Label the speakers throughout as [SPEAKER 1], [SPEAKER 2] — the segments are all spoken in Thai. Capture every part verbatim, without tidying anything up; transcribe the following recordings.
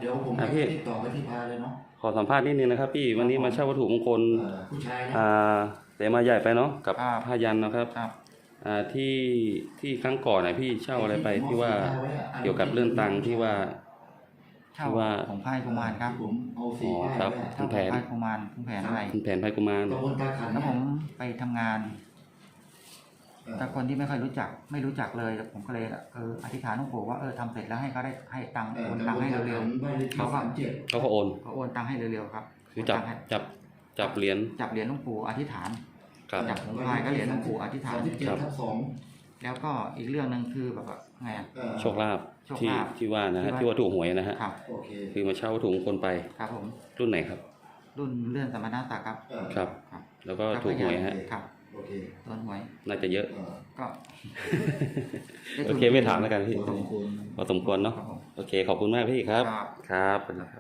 [SPEAKER 1] ดี๋ยวผมจะติดต่อไปที่พาเลยเนาะ
[SPEAKER 2] ขอสัมภาษณ์นิดนึงนะครับพี่วันนี้มาเช่าวัตถุมงคล
[SPEAKER 1] ผู้ชายนะ
[SPEAKER 2] อ่าแต่มาใหญ่ไปเนาะกับผ้ายันนะครับอ่าที่ที่ครั้งก่อนนะพี่เช่าอะไรไปที่ว่าเกี่ยวกับเรื่องตังค์ที่ว่า
[SPEAKER 3] ที่ว่าของไพ่กุมารครับ
[SPEAKER 1] ผมเอาสี
[SPEAKER 2] อ๋อครับคุณแผน
[SPEAKER 3] ไพ่กุมารคุณแผนอะไร
[SPEAKER 2] คุณแผนไพ่กุมาร
[SPEAKER 3] แล้วผมไปทำงานแต่คนที่ไม่ค่อยรู้จักไม่รู้จักเลยผมก็เลยเอออธิษฐานหลวงปู่ว่าเออทำเสร็จแล้วให้เขาได้ให้ตังค์โอนตังค์ให้เร็วๆเขาก็
[SPEAKER 2] เขาก็โอน
[SPEAKER 3] เขาโอนตังค์ให้เร็วๆครับ
[SPEAKER 2] คือจับจับจับเหรียญ
[SPEAKER 3] จับเหรียญหลวงปู่อธิษฐานจับของพายก็เหรียญหลวงปู่อธิษฐานแล้วก็อีกเรื่องนึงคือแบบไง
[SPEAKER 2] โชคลาภที่ที่ว่านะฮะที่ว่าถูกหวยนะฮะคือมาเช่าวัตถุมงคลไป
[SPEAKER 3] ครับผม
[SPEAKER 2] รุ่นไหนครับ
[SPEAKER 3] รุ่นเลื่อนสมณศักดิ์ครับ
[SPEAKER 2] ครับแล้วก็ถูกหวยฮะ
[SPEAKER 3] โดนหวย
[SPEAKER 2] น่าจะเยอะ
[SPEAKER 3] ก็
[SPEAKER 2] โอเคไม่ถามแล้วกันพี่พอสมควรเนาะโอเคขอบคุณมากพี่ครับครับ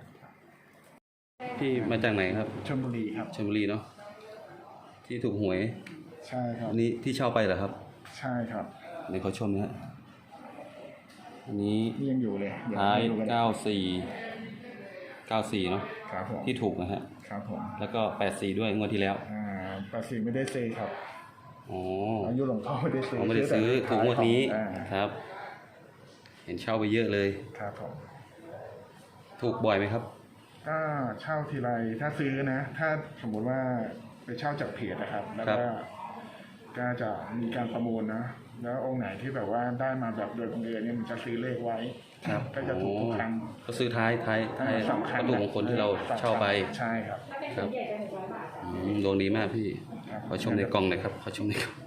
[SPEAKER 2] พี่มาจากไหนครับ
[SPEAKER 4] ชลบุรีครับ
[SPEAKER 2] ชลบุรีเนาะที่ถูกหวย
[SPEAKER 4] ใช่ครับ
[SPEAKER 2] อันนี้ที่เช่าไปเหรอครับ
[SPEAKER 4] ใช่ครับ
[SPEAKER 2] ในเขาชมนะฮะอันนี้
[SPEAKER 4] ยังอยู่เลย
[SPEAKER 2] ท้ายเก้าสี่เก้าสี่เนาะที่ถูกนะฮะ
[SPEAKER 4] ครับผม
[SPEAKER 2] แล้วก็แปดสี่ด้วยงวดที่แล้ว
[SPEAKER 4] อ่าแปดสี่ไม่ได้ซื้อครับ
[SPEAKER 2] อ๋อ
[SPEAKER 4] อายุหลวงพ่อไม่ได้ซื้อ
[SPEAKER 2] ไม่ได้ซื้อถูกงวดนี้ครับเห็นเช่าไปเยอะเลย
[SPEAKER 4] ครับผม
[SPEAKER 2] ถูกบ่อยไหมครับ
[SPEAKER 4] ก็เช่าทีไรถ้าซื้อนะถ้าสมมุติว่าไปเช่าจากเพจนะครับแล้วก็ก็จะมีการประมูลนะแล้วองค์ไหนที่แบบว่าได้มาแบบโดยบังเอิญเนี่ยมันจะซื้อเลขไว้ก็จะถูกทุกครั้ง
[SPEAKER 2] ก็ซื้อท้ายท้ายท้ายวัตถุมงคลที่เราเช่าไป
[SPEAKER 4] ใช่ครับ
[SPEAKER 2] ครับดวงดีมากพี่ขอชมในกล่องหน่อยครับขอชมในกล่อง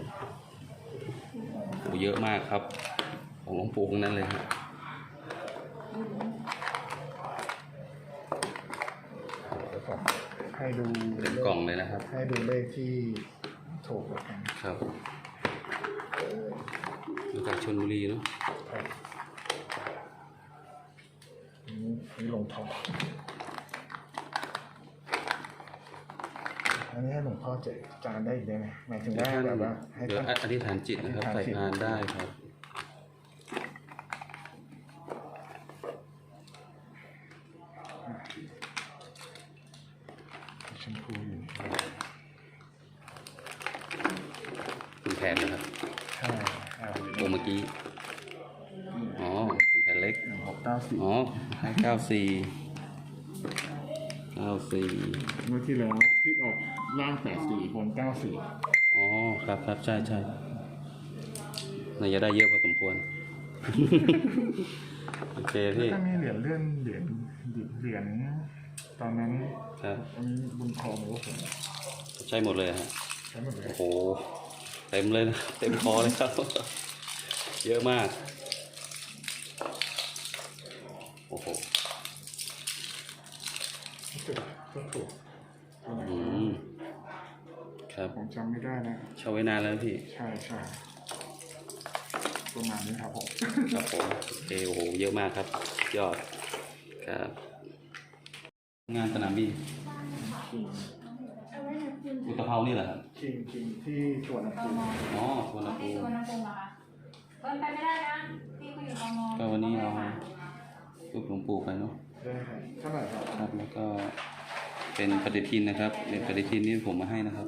[SPEAKER 2] โอ้เยอะมากครับของหลวงปู่ทั้งนั้นเลยครับ
[SPEAKER 4] ให้ดู
[SPEAKER 2] กล่องเลยนะครับ
[SPEAKER 4] ให้ดูเลขที่ถูกแล้วกัน
[SPEAKER 2] ครับมาจากชลบุรีเนาะ
[SPEAKER 4] นี่ลงทองอันนี้ให้หลวงพ่อเจจานได้อีกได้ไหมหมายถึงว่าแบบว่าให้
[SPEAKER 2] ท่านอธิษฐานจิตนะครับใส่พานได้ครับ
[SPEAKER 4] ชมพูอยู่
[SPEAKER 2] คุณแผนนะครับ
[SPEAKER 4] ใช่
[SPEAKER 2] โอเมื่อกี้อ๋อคุณแผนเล็ก
[SPEAKER 4] หกเก้าสี่
[SPEAKER 2] อ๋อให้เก้าสี่เก้าสี่
[SPEAKER 4] เมื่อที่แล้วที่ออกล่างแปดสี่บนเก้าสี่
[SPEAKER 2] อ๋อครับครับใช่ใช่น่าจะได้เยอะพอสมควรโอเคพี่
[SPEAKER 4] ถ้ามีเหรียญเลื่อนเหรียญเหรียญตอนนั้น
[SPEAKER 2] ครับ
[SPEAKER 4] อันนี้บุญครองหรือว่าผม
[SPEAKER 2] ใช่หมดเลยฮะ
[SPEAKER 4] ใช่หมดเลย
[SPEAKER 2] โอ้โหเต็มเลยนะเต็มคอเลยครับเยอะมากโอ้โห
[SPEAKER 4] ก็ถูก
[SPEAKER 2] อืมครับ
[SPEAKER 4] ผมจำไม่ได้นะ
[SPEAKER 2] เช่าไว้นานแล้วพี่
[SPEAKER 4] ใช่ใช่ประมาณนี้ครับผม
[SPEAKER 2] ครับผมโอเคโอ้โหเยอะมากครับยอดครับงานสนามบินอุตภาวนี่เหรอครับ
[SPEAKER 4] คิงคิงที่ชวนภูมิ
[SPEAKER 2] อ๋อชวนภูมิ
[SPEAKER 5] ชวนภูมิเหรอคะเดินไปไม่ได้นะพี่เขาอยู่ตรงนอน
[SPEAKER 2] ก็วันนี้เราลูกหลวงปู่ไปเนาะ
[SPEAKER 4] ได้ครับเท่าไหร่ครับ
[SPEAKER 2] ครับแล้วก็เป็นปฏิทินนะครับเป็นปฏิทินที่ผมมาให้นะครับ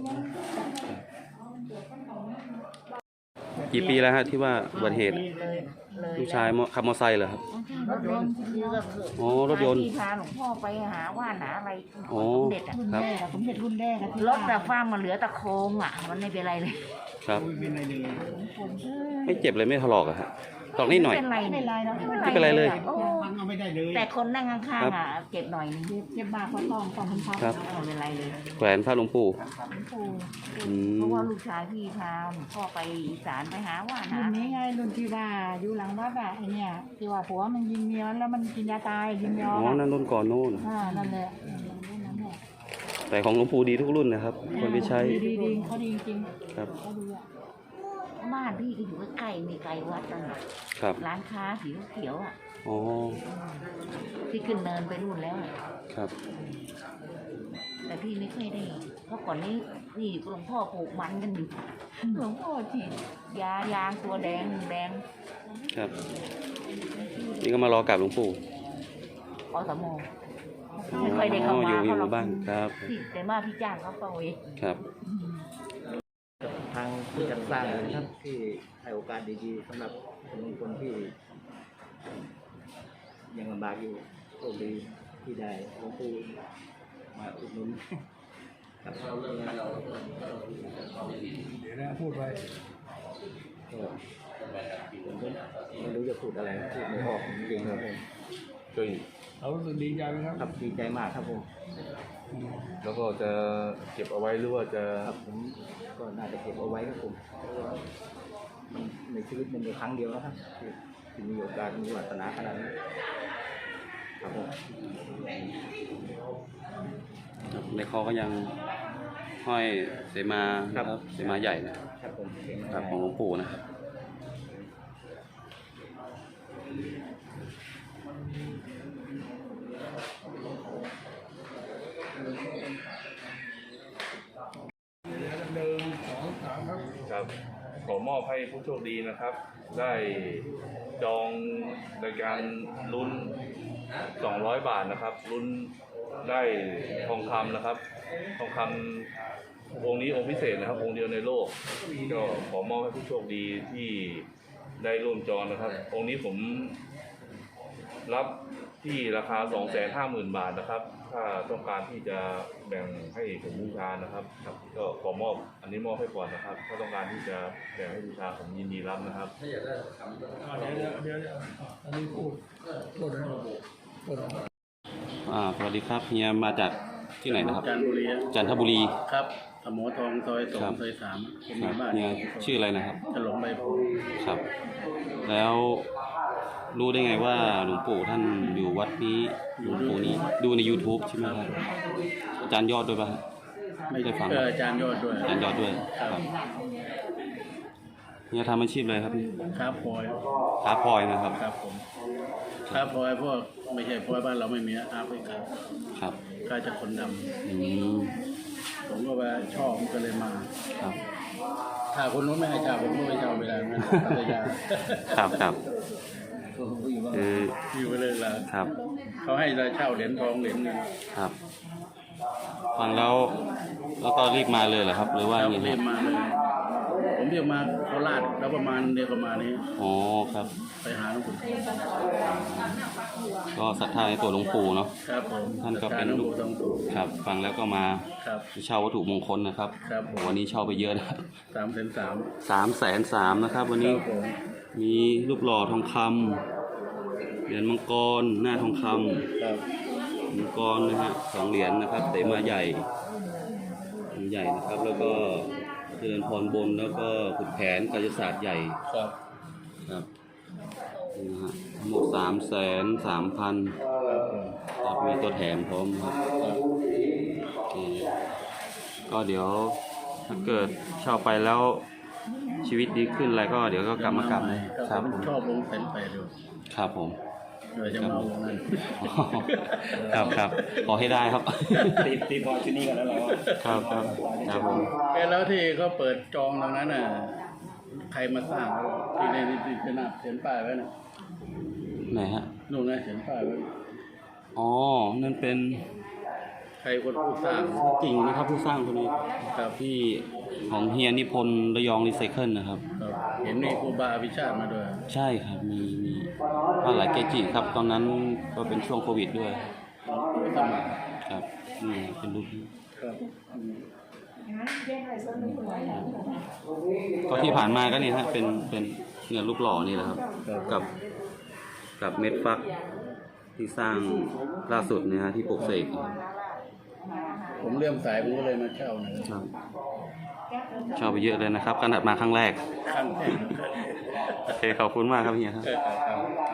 [SPEAKER 2] กี่ปีแล้วฮะที่ว่าอุบัติเหตุลูกชายขับมอเตอร์ไซค์เหรอครับ
[SPEAKER 5] รถยนต์
[SPEAKER 2] อ๋อรถยนต์
[SPEAKER 5] ที่พาหลวงพ่อไปหาว่านหาอะไร
[SPEAKER 2] สม
[SPEAKER 5] เด็จอ่ะ
[SPEAKER 2] ครับ
[SPEAKER 5] สมเด็จรุ่นแรกรถแต่ฟ้ามันเหลือตะโคงอ่ะมันไม่เป็นไรเลย
[SPEAKER 2] ครับไม่เจ็บเลยไม่ถลอกอะฮะถลอกนิดหน่อย
[SPEAKER 5] ไม่เป็นไรไม่เป็นไร
[SPEAKER 2] ไม่เป็นไรเลย
[SPEAKER 5] แต่คนนั่งข้างๆอ่ะเจ็บหน่อยนึงเจ็บมากเพราะต้องต้องพับไม่เป็นไรเลย
[SPEAKER 2] แขวนพระหลวงปู่
[SPEAKER 5] เพราะว่าลูกชายพี่พาพ่อไปอีสานไปหาว่านหารุ่นนี้ไงรุ่นที่ว่าอยู่หลังวัดอะไอเนี่ยที่ว่าผัวมันยิงเมียแล้วมันกินยาตายยิงยอ
[SPEAKER 2] อ๋อนั่นรุ่นก่อนนู่น
[SPEAKER 5] อ่านั่นแหละ
[SPEAKER 2] แต่ของหลวงปู่ดีทุกรุ่นนะครับคนไปใช้
[SPEAKER 5] ดีดีเขาดีจริง
[SPEAKER 2] ครับ
[SPEAKER 5] เขาดีอ่ะบ้านพี่ก็อยู่ใกล้มีไกลวัดนั่นแหละร้านค้าสีเขียวอ่ะ
[SPEAKER 2] อ๋อ
[SPEAKER 5] ที่ขึ้นเนินไปนู่นแล้ว
[SPEAKER 2] ครับ
[SPEAKER 5] แต่พี่ไม่เคยได้เพราะก่อนนี้นี่หลวงพ่อปลูกมันกันอยู่หลวงพ่อฉีดยายางตัวแดงแดง
[SPEAKER 2] ครับนี่ก็มารอกราบหลวงปู่
[SPEAKER 5] อสมไม่ค่อยได้เข้า
[SPEAKER 2] อ๋อ
[SPEAKER 5] มา
[SPEAKER 2] อยู่อยู่
[SPEAKER 5] เพ
[SPEAKER 2] ห
[SPEAKER 5] ราะ
[SPEAKER 2] มู่บ้านครับ
[SPEAKER 5] ที่แต่มาพี่จ้างเขาเข้าเอง
[SPEAKER 2] ครับ
[SPEAKER 6] ทางผู้จัดสร้างเลยนะครับที่ให้โอกาสดีๆสำหรับคนที่ยังลำบากอยู่โชคดีที่ได้หลวงปู่มาอุดหนุนครับเดี๋ยวนะพูดไปผมไม่รู้จะพูดอะไรพูดไม่ออกจริงๆครับผม
[SPEAKER 7] ก็เรารู้สึกดีใจไหมครับ
[SPEAKER 6] ครับดีใจมากครับผม
[SPEAKER 7] แล้วก็จะเก็บเอาไว้หรือว่าจะ
[SPEAKER 6] ครับผมก็น่าจะเก็บเอาไว้ครับผมเพราะว่ามันในชีวิตมันมีครั้งเดียวนะครับที่ที่มีโอกาสมีวาสนาขนาดนี้ครับผม
[SPEAKER 2] ในคอก็ยังห้อยเสมานะครับเสมาใหญ่นะครับ
[SPEAKER 6] ผมเก่ง
[SPEAKER 2] ครับ
[SPEAKER 6] มาก
[SPEAKER 2] ของหลวงปู่นะครับ
[SPEAKER 7] ครับขอมอบให้ผู้โชคดีนะครับ ได้จองในการลุ้นสองร้อยบาทนะครับลุ้นได้ทองคำนะครับ ทองคำองค์นี้องค์พิเศษนะครับ องค์เดียวในโลกก็ขอมอบให้ผู้โชคดีที่ได้ร่วมจองนะครับ องค์นี้ผมรับที่ราคา สองแสนห้าหมื่น บาทนะครับ ถ้าต้องการที่จะแบ่งให้ผมบูชานะครับครับก็ขอมอบอันนี้มอบให้ก่อนนะครับ ถ้าต้องการที่จะแบ่งให้บูชาผมยินดีรับนะครับ
[SPEAKER 8] เดี๋ยวเดี๋ยวเดี๋ยวอันนี้พูดพูดให้พูด
[SPEAKER 2] อ่าสวัสดีครับเฮียมาจากที่ไหนนะครับ
[SPEAKER 8] จันทบุรี
[SPEAKER 2] จันทบุรี
[SPEAKER 8] ครับสมอทองซอยสอ
[SPEAKER 2] ครั
[SPEAKER 8] ง
[SPEAKER 2] บ
[SPEAKER 8] ซอยสามผม
[SPEAKER 2] ค
[SPEAKER 8] มี
[SPEAKER 2] รับ
[SPEAKER 8] บ้าน
[SPEAKER 2] เฮียชื่ออะไรนะครับ
[SPEAKER 8] ฉลองใบโพ
[SPEAKER 2] ครับ แล้วรู้ได้ไงว่าหลวงปู่ท่านอยู่วัดนี้หลวงปู่นี้ดูใน YouTube ใช่ไหมครับอาจารย์ยอดด้วยป่ะครับ
[SPEAKER 8] ไม่
[SPEAKER 2] ได้ฟัง
[SPEAKER 8] เอออาจารย์ยอดด้วย
[SPEAKER 2] อาจารย์ยอดด้วยครับเฮียทำอาชีพอะไรครับนี่
[SPEAKER 8] ครับพลอย
[SPEAKER 2] ค้าพลอยนะครับ
[SPEAKER 8] ครับผมครับพลอยพวกไม่ใช่พลอยบ้านเราไม่มีอาฟริกา
[SPEAKER 2] ครับ
[SPEAKER 8] ก็จะคนด
[SPEAKER 2] อืม
[SPEAKER 8] ำผมก็ว่าชอบก็เลยมา
[SPEAKER 2] ครับ
[SPEAKER 8] ถ้าคนนู้นไม่ให้เช่าผมก็ไม่เช่าเวลานั้นปัตยา
[SPEAKER 2] ครับครับ
[SPEAKER 6] ก็อยู่ว่า
[SPEAKER 2] คือ
[SPEAKER 8] อยู่ไปเลยละ
[SPEAKER 2] ครับ
[SPEAKER 8] เขาให้เราเช่าเหรียญทองเหรียญเงิน
[SPEAKER 2] ครับ ฟังแล้วแล้วก็รีบมาเลยเหรอครับ หรือว่า
[SPEAKER 8] แล้ว
[SPEAKER 2] ยังไง
[SPEAKER 8] เรี
[SPEAKER 2] ค
[SPEAKER 8] ย
[SPEAKER 2] รับ
[SPEAKER 8] นมาเลยผมเรียกมาโคราชแล้วประมาณเดือนประมาณนี้
[SPEAKER 2] อ๋อครับ
[SPEAKER 8] ไปหาหลวงปู่
[SPEAKER 2] ก็ศรัทธาในตัวหลวงปู่เนาะ
[SPEAKER 8] ครับผม
[SPEAKER 2] ท่านก็เป็น
[SPEAKER 8] หลวง
[SPEAKER 2] ลูก
[SPEAKER 8] ปู่ทองสุข
[SPEAKER 2] ครับ ฟังแล้วก็มา
[SPEAKER 8] ครับ
[SPEAKER 2] เช่าวัตถุมงคลนะครับ
[SPEAKER 8] ครับผม
[SPEAKER 2] วันนี้เช่าไปเยอะนะครับ
[SPEAKER 8] สามแสนสาม
[SPEAKER 2] สามแสนสามนะครับ วัน
[SPEAKER 8] ค
[SPEAKER 2] นี้
[SPEAKER 8] รับผม
[SPEAKER 2] มีรูปหล่อทองคำเหรียญมังกรหน้าทองคำ
[SPEAKER 8] ครับ
[SPEAKER 2] มังกรนะฮะสองเหรียญนะครับเสมาใหญ่ใหญ่นะครับ แล้วก็เจริญพรบนแล้วก็ขุดแผนกายศาสตร์ใหญ่
[SPEAKER 8] ครับ
[SPEAKER 2] ครับนี่นะฮะทั้งหมดสามแสนสามพัน
[SPEAKER 8] ครับผม
[SPEAKER 2] ครับมีตัวแถมพร้อมครับ
[SPEAKER 8] ครับ
[SPEAKER 2] โอเคก็เดี๋ยวถ้าเกิดเช่าไปแล้วชีวิตดีขึ้นอะไรก็เดี๋ยวก็กลับมากลับ
[SPEAKER 8] ให
[SPEAKER 2] นะครับ
[SPEAKER 8] ผม
[SPEAKER 2] ผม
[SPEAKER 8] ชอบลงเต็มไปดู
[SPEAKER 2] ครับผม
[SPEAKER 8] เดี๋ยวจะมาเอาวงนั้น
[SPEAKER 2] ครับครับขอให้ได้ครับ
[SPEAKER 6] ตีตีพอที่นี่กันแล้วเรา
[SPEAKER 2] ครับครับครับผม
[SPEAKER 8] เอ๊ะแล้วที่เขาเปิดจองตรงนั้นน่ะใครมาสร้างที่ในที่ขนาดเขียนป้ายไว้น่ะ
[SPEAKER 2] ไหนฮะ
[SPEAKER 8] นู่นนะเขียนป้ายไว้
[SPEAKER 2] อ๋อนั่นเป็น
[SPEAKER 8] ใครคนผู้สร้าง
[SPEAKER 2] กิ่งนะครับผู้สร้างคนนี้
[SPEAKER 8] ครับ
[SPEAKER 2] ที่ของเฮียนิพนธ์ระยองรีไซเคิลนะครับ
[SPEAKER 8] ครับเห็นมีครูบาวิชาติมาด้วย
[SPEAKER 2] ใช่ครับมีมีพระหลายเกจิครับ ตอนนั้นก็เป็นช่วงโควิดด้วย
[SPEAKER 8] สมัคร
[SPEAKER 2] ครับนี่เป็นรูปนี้
[SPEAKER 8] ครับอืม
[SPEAKER 2] ก็ที่ผ่านมาก็เนี่ยฮะเป็นเป็นเนื้อรูปหล่อนี่แหละครับ กับกับเม็ดฟักที่สร้างล่าสุดเนี่ยฮะที่ปลุกเสก
[SPEAKER 8] ผมเลื่อมสายผมก็เลยมาเช่านะ
[SPEAKER 2] ครับ ชอบไปเยอะเลยนะครับขนาดมาครั้งแรก
[SPEAKER 8] ครั้งแรก
[SPEAKER 2] โอเคขอบคุณมากครับเฮียครับ
[SPEAKER 8] เออครับ